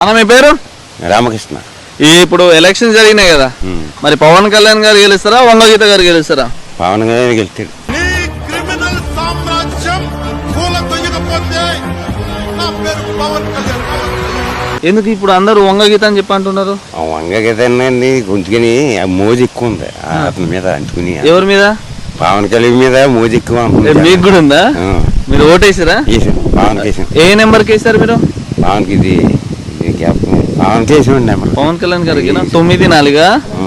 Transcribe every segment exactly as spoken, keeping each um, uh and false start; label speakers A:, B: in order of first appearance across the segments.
A: అన్న మీ పేరు?
B: రామకృష్ణ.
A: ఇప్పుడు ఎలక్షన్ జరిగినాయి కదా, మరి పవన్ కళ్యాణ్ గారు గెలుస్తారా వంగగీత గారు గెలుస్తారా?
B: పవన్ కళ్యాణ్ గెలుస్తాడు.
A: ఎందుకు ఇప్పుడు అందరూ వంగగీత అని చెప్పి అంటున్నారు?
B: వంగగీత గొంతుకుని మోజు ఎక్కువ ఉంది అతని మీద అంటుకుని.
A: ఎవరి మీద?
B: పవన్ కళ్యాణ్ మీద మోజు ఎక్కువ.
A: మీకు కూడా ఉందా? మీరు ఓటేసారా?
B: పవన్ కేసాం.
A: ఏ నెంబర్ కి వేసారు మీరు?
B: పవన్ కి ఇది పవన్ కేసాం నెంబర్.
A: పవన్ కళ్యాణ్ గారికి తొమ్మిది నాలుగా.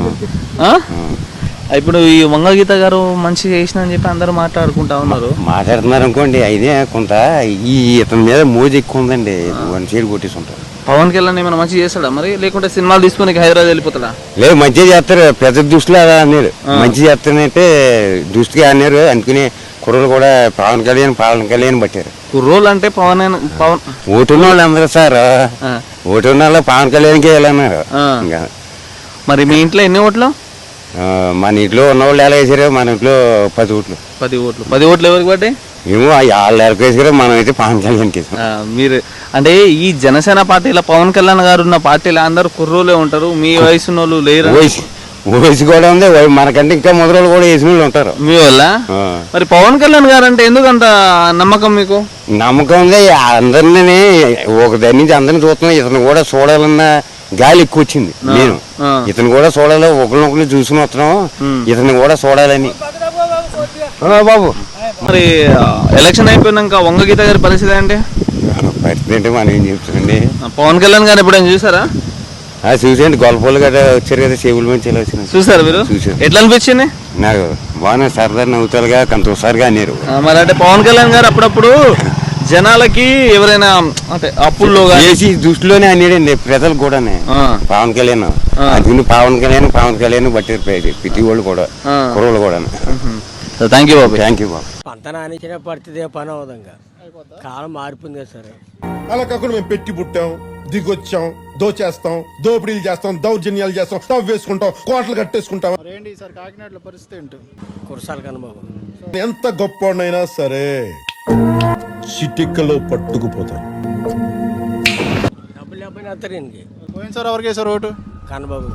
A: ఇప్పుడు ఈ వంగగీత గారు మంచిగా చేసిన అని చెప్పి అందరూ మాట్లాడుకుంటా ఉన్నారు.
B: మాట్లాడుతున్నారు అనుకోండి, అయితే కొంత ఈ ఇతని మీద మోజు ఎక్కువ ఉందండి. వన్ సైడ్ కొట్టేసి ఉంటారు.
A: పవన్ కళ్యాణ్ ఏమైనా మంచిగా చేస్తాడా మరి, లేకుంటే సినిమాలు తీసుకుని హైదరాబాద్ వెళ్ళిపోతాడా?
B: లేదు, మంచిగా చేస్తారు. పెద్ద దృష్టిలో అలా అన్నారు. మంచిగా చేస్తానంటే దృష్టిగా అన్నారు. అందుకని కుర్రలు కూడా పవన్ కళ్యాణ్ పవన్ కళ్యాణ్ పట్టారు.
A: కుర్రోలు అంటే పవన్ పవన్
B: ఓటున్న వాళ్ళు అందరూ సార్, ఓటున్న వాళ్ళు పవన్ కళ్యాణ్కి వెళ్ళన్నారు.
A: మరి మీ ఇంట్లో ఎన్ని ఓట్లు?
B: మన ఇంట్లో ఉన్న వాళ్ళు ఎలా వేసారు? మన ఇంట్లో పది ఓట్లు.
A: పది ఓట్లు పది ఓట్లు ఎవరికి పడ్డాయి?
B: ఏమో వాళ్ళు ఎవరికి వేసారో, మనం అయితే పవన్ కళ్యాణ్కి వేసాం.
A: మీరు అంటే ఈ జనసేన పార్టీలో పవన్ కళ్యాణ్ గారు ఉన్న పార్టీలో అందరూ కుర్రోలే ఉంటారు. మీ వయసు వాళ్ళు లేరు?
B: వయసు వయసు కూడా ఉంది. మనకంటే ఇంకా మొదలు కూడా వేసిన వాళ్ళు ఉంటారు
A: మీ వల్ల. మరి పవన్ కళ్యాణ్ గారు అంటే ఎందుకంత నమ్మకం మీకు?
B: నమ్మకం ఉంది. అందరినీ ఒక దగ్గర నుంచి అందరిని చూస్తున్నాం. ఇతను కూడా చూడాలన్న గాలి ఎక్కువ వచ్చింది. నేను ఇతను కూడా చూడాలి, ఒకరినొకరిని చూసుకుని వస్తున్నాం. ఇతను కూడా చూడాలని. బాబు
A: మరి ఎలక్షన్ అయిపోయినాక వంగగీత గారి పరిస్థితి అంటే
B: పరిస్థితి అంటే మనం ఏం చెప్తామండి.
A: పవన్ కళ్యాణ్ గారు ఎప్పుడైనా చూసారా?
B: చూసాండి, గొల్లపూలు గట్రా వచ్చారు కదా, సేవుల మంచి వచ్చిన చూసారు మీరు? చూసారు.
A: ఎట్లా అనిపించింది?
B: నాకు బాగా సరదా నవ్వుతారుగా, కొంత ఒకసారిగా అన్నారు.
A: మరి అంటే పవన్ కళ్యాణ్ గారు అప్పుడప్పుడు జనాలకి ఎవరైనా అంటే అప్పుల్లో
B: వేసి దృష్టిలోనే అన్నాడండి ప్రజలు కూడా. పవన్ కళ్యాణ్ అందుకని పవన్ కళ్యాణ్ పవన్ కళ్యాణ్ బట్టి ప్రతి వాళ్ళు కూడా కుర్రలు కూడా.
A: థ్యాంక్ యూ బాబు.
B: థ్యాంక్ యూ బాబు.
C: పంట నానించిన పడితే పని అవుదంగా, కాలం మారిపోయింది కదా సరే.
D: అలా కాకుండా మేము పెట్టి పుట్టాం, దిగొచ్చాం, దోచేస్తాం, దోపిడీలు చేస్తాం, దౌర్జన్యాలు చేస్తాం, తవ్వు వేసుకుంటాం, కోటలు కట్టేసుకుంటాం.
E: ఏంటి సార్ కాకినాడలో పరిస్థితి ఏంటి?
C: కురసాల కనుబాబు
D: ఎంత గొప్పనైనా సరే చిటికలో పట్టుకుపోతారు.
C: డబ్బులు లేకపోయినా వస్తారు ఇంటికి.
E: పోయింది సార్ ఎవరికి వేసారు ఓటు?
C: కనుబాబు.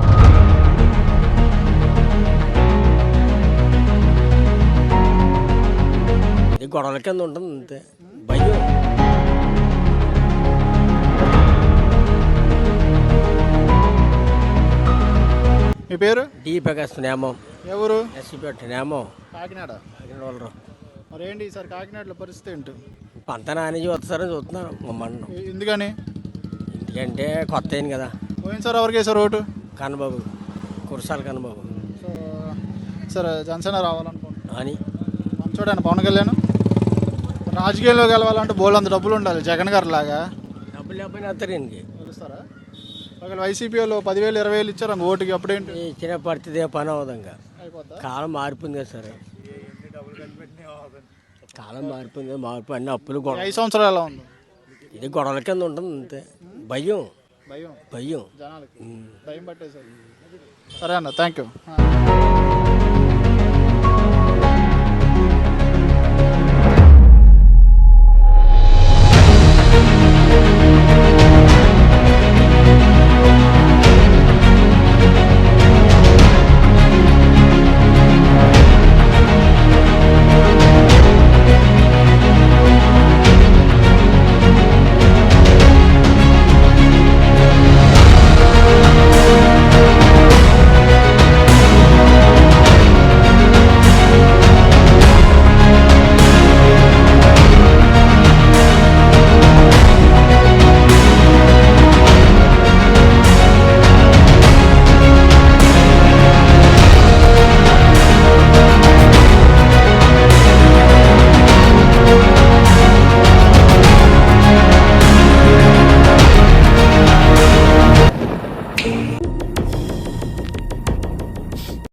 C: ఇది గొడవల కింద ఉంటుంది అంతే, భయం.
E: మీ పేరు?
C: డి ప్రకాశ్ నేమం.
E: ఎవరు?
C: ఎస్సీపేట నేమం,
E: కాకినాడ.
C: కాకినాడ వాళ్ళు.
E: మరి ఏంటి సార్ కాకినాడలో పరిస్థితి ఏంటి?
C: పంట నానించి వస్తారని చూస్తున్నాను మమ్మల్ని.
E: ఎందుకని?
C: ఎందుకంటే కొత్త అయింది కదా.
E: పోయింది సార్ ఎవరికి వేసారు vote?
C: Kannababu, Kurasala Kannababu.
E: So sir Janasena రావాలనుకుంటున్నాను
C: అని
E: చూడండి. పవన్ కళ్యాణ్ రాజకీయాల్లో గెలవాలంటే బోల్ అంత డబ్బులు ఉండాలి, జగన్ గారు లాగా.
C: డబ్బులు లేకపోయినా వస్తారు ఇంటికి.
E: తెలుస్తారా? ఒకవేళ వైసీపీ వాళ్ళు పదివేలు ఇరవై వేలు ఇచ్చారు అంక ఓటుకి, అప్పుడేంటి?
C: ఇచ్చిన పడితే పని అవుదంగా, కాలం మారిపోయింది కదా సరే. కాలం మారిపోయింది, మారిపోయి అన్ని అప్పులు గొడవ.
E: ఐదు సంవత్సరాలు ఎలా ఉంది?
C: ఇది గొడవల కింద ఉంటుంది అంతే, భయం
E: భయం
C: భయం
E: జనాలకి భయం పట్టేసారు. సరే అన్న, థ్యాంక్ యూ.